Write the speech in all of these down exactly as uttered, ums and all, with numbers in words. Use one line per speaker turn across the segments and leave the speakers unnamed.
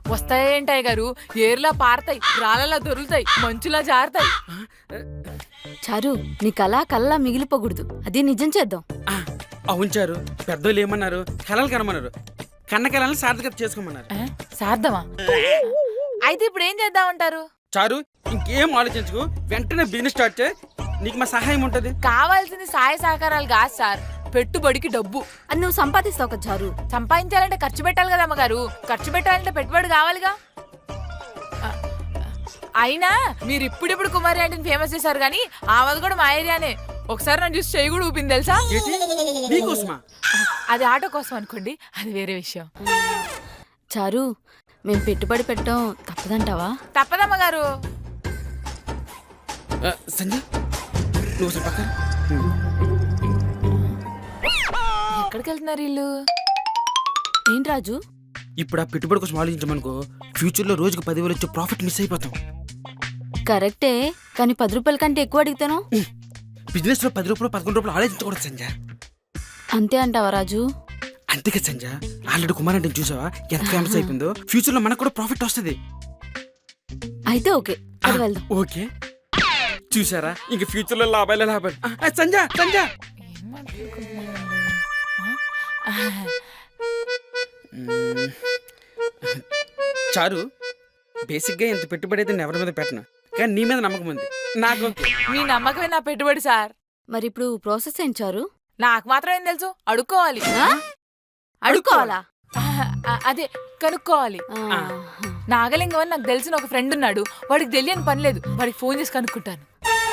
వస్తాయేంటాయి గారు, ఏర్లా పారతాయి, రాళ్ళలా దొరుకుతాయి, మంచులా జారుతాయి.
చారు నీ కళ కళ్ళ మిగిలిపోకూడదు, అది నిజం చేద్దాం.
అవును చారు, పెద్దోళ్ళు ఏమన్నారు, కళలు కనమన్నారు, కన్న కళలను సార్థకత చేసుకోమన్నారు.
సార్థమా? అయితే ఇప్పుడు ఏం చేద్దామంటారు?
చారు ఇంకేం ఆలోచించుకు, వెంటనే బిజినెస్ స్టార్ట్ చేయి, నీకు మా సహాయం ఉంటది.
కావాల్సింది సహాయ సహకారాలు కాదు సార్, పెట్టుబడికి డబ్బు.
అది నువ్వు సంపాదిస్తావు కదా చారు.
సంపాదించాలంటే ఖర్చు పెట్టాలి కదా అమ్మగారు, ఖర్చు పెట్టాలంటే పెట్టుబడి కావాలిగా. అయినా మీరు ఇప్పుడిప్పుడు కుమారి ఆంటీని ఫేమస్ చేశారు కానీ ఆమెది కూడా మా ఏరియానే. ఒకసారి నన్ను చూసి చెయ్యి కూడా ఊపింది తెలుసా?
నీకోసమా?
అది ఆటో కోసం అనుకోండి, అది వేరే విషయం.
చారు మేము పెట్టుబడి పెట్టడం తప్పదంటావా?
తప్పదమ్మగారు.
సంజయ్ నువ్వు అసలు పక్కన.
ఎక్కడికి వెళ్తున్నారు వీళ్ళు?
ఏంటి రాజు?
ఇప్పుడు ఆ పెట్టుబడి కోసం ఆలోచించమనుకో, ఫ్యూచర్ లో రోజుకు పదివేలు వచ్చే ప్రాఫిట్ మిస్ అయిపోతాం.
కరెక్టే, కానీ పది రూపాయల కంటే ఎక్కువ అడిగితేనో?
బిజినెస్ లో పది రూపాయలు పదకొండు రూపాయలు ఆలోచించకూడదు సంజయ్.
అంతే అంటావా రాజు?
అంతేకా సంజయ్, ఆల్రెడీ కుమార్ అంటే చూసావా ఎంత ఫేమస్ అయిపోయిందో, ఫ్యూచర్ లో మనకు కూడా ప్రాఫిట్ వస్తుంది.
అయితే ఓకే, అది వెళ్దాం.
ఓకే, చూసారా ఇంక ఫ్యూచర్ లో లాభాలే లాభాలు. సంజయ్ సంజయ్ చారు, బేసిక్ గా ఇంత పెట్టుబడి అయితే నేను ఎవరి మీద పెట్టను, కానీ నీ మీద నమ్మకం ఉంది నాకు.
మీ నమ్మకమే నా పెట్టుబడి సార్.
మరి ఇప్పుడు ప్రాసెస్ ఏంటి చారు?
నాకు మాత్రం ఏం తెలుసు, అడుక్కోవాలి.
అడుక్కోవాలా?
అదే కనుక్కోవాలి. నాగలింగం అని నాకు తెలిసిన ఒక ఫ్రెండ్ ఉన్నాడు, వాడికి తెలియని పని లేదు, వాడికి ఫోన్ చేసి కనుక్కుంటాను.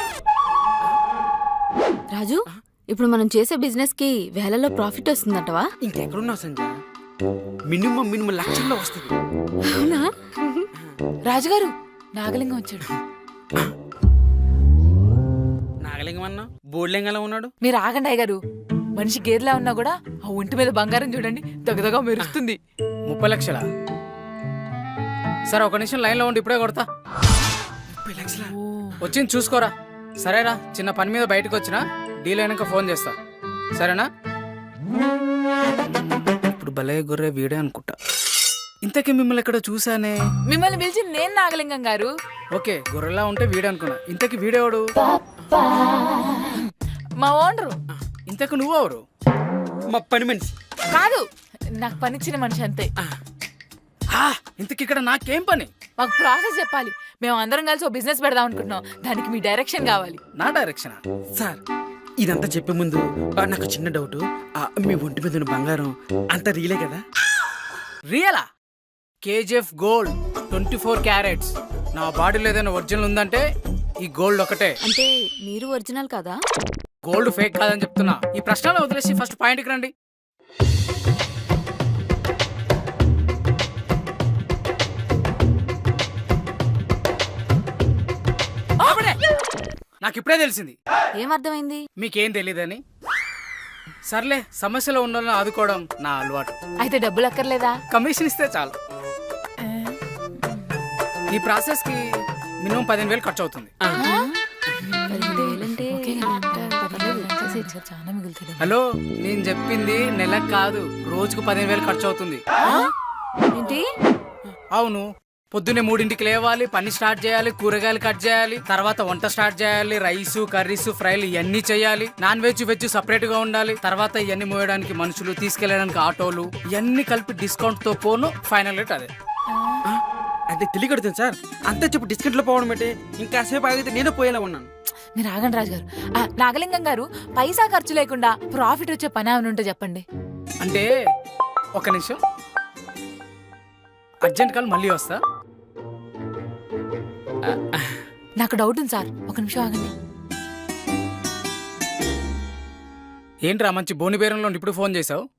రాజు, ఇప్పుడు మనం చేసే బిజినెస్ కి వేలలో ప్రాఫిట్ వస్తుందంటవా?
ఇంకెక్కడున్నావు సంజయ్, మినిమం మినిమం లక్షల్లో వస్తుంది.
అవునా?
రాజుగారు, నాగలింగం వచ్చాడు.
నాగలింగం అన్నా బోర్లింగంలో ఉన్నాడు.
మీరు ఆగండి అయ్యగారు, మనిషి గేదెలా ఉన్నా కూడా ఆ ఒంటి మీద బంగారం చూడండి, దగదగా మెరుస్తుంది.
ముప్పై లక్షలా? సరే ఒక నిమిషం లైన్ లో ఉండి ఇప్పుడే కొడతా.
ముప్పై లక్షల
వచ్చింది చూసుకోరా. సరేరా, చిన్న పని మీద బయటకు వచ్చినా, డీల్ అయినాక ఫోన్ చేస్తా, సరేనా? ఇప్పుడు భలే గొర్రె వీడే అనుకుంటా. ఇంతకీ మిమ్మల్ని ఎక్కడ చూసానే?
మిమ్మల్ని పిలిచి నేను నాగలింగం గారు.
ఓకే, గొర్రెలా ఉంటే వీడే అనుకున్నా. ఇంతకీ వీడేవాడు?
మా ఓనరు.
ఇంతకు నువ్వెవరు?
మా పని మనిషి.
కాదు, నాకు పనిచ్చిన మనిషి అంతే.
ఇంతకి ఇక్కడ నాకేం పని?
మాకు ప్రాసెస్ చెప్పాలి, మేము అందరం కలిసి ఓ బిజినెస్ పెడదాం అనుకుంటున్నాం, దానికి మీ డైరెక్షన్ కావాలి.
నా డైరెక్షన్?
సార్ ఇదంతా చెప్పే ముందు ఆ, నాకు చిన్న డౌట్, మీ ఒంటి మీద ఉన్న బంగారం అంత రియలే కదా?
రియలా? KGF gold twenty four carats. నా బాడీలో ఏదైనా ఒరిజినల్ ఉందంటే ఈ గోల్డ్ ఒకటే.
అంటే మీరు ఒరిజినల్ కదా?
గోల్డ్ ఫేక్ కాదని చెప్తున్నా. ఈ ప్రశ్నలు వదిలేసి ఫస్ట్ పాయింట్కి రండి. నాకు ఇప్పుడే తెలిసింది.
ఏమర్థమైంది?
మీకేం తెలీదని. సర్లే, సమస్యలో ఉన్న వాళ్ళని ఆదుకోవడం నా అలవాటు.
అయితే డబ్బులు అక్కర్లేదా?
కమిషన్ ఇస్తే చాలు. ఈ ప్రాసెస్ కి మినిమం పదిహేను వేలు ఖర్చు అవుతుంది. హలో, నేను చెప్పింది నెలకు కాదు, రోజుకు పదిహేను వేలు ఖర్చు అవుతుంది.
ఏంటి?
అవును, పొద్దున్నే మూడింటికి లేవాలి, పని స్టార్ట్ చేయాలి, కూరగాయలు కట్ చేయాలి, తర్వాత వంట స్టార్ట్ చేయాలి, రైస్ కర్రీస్ ఫ్రైలు ఇవన్నీ చేయాలి, నాన్ వెజ్ వెజ్ సపరేట్ గా ఉండాలి, తర్వాత ఇవన్నీ మోయడానికి మనుషులు, తీసుకెళ్లడానికి ఆటోలు, ఇవన్నీ కలిపి డిస్కౌంట్ తో పోను ఫైనల్ రేట్ అదే.
అదే తెలియకడుతుంది సార్, అంతే చెప్పు డిస్కౌంట్ లో పోవడం అంటే ఇంకాసేపు ఆగితే నేను పోయేలా ఉన్నాను.
మీరు ఆగండి రాజు గారు. నాగలింగం గారు, పైసా ఖర్చు లేకుండా ప్రాఫిట్ వచ్చే పని ఏమైనా ఉంటే చెప్పండి.
అంటే ఒక నిమిషం, అర్జెంట్ కాల్, మళ్ళీ వస్తా.
నాకు డౌట్ ఉంది సార్, ఒక నిమిషం ఆగండి.
ఏంట్రా మంచి బోని బేరంలో ఇప్పుడు ఫోన్ చేసావు?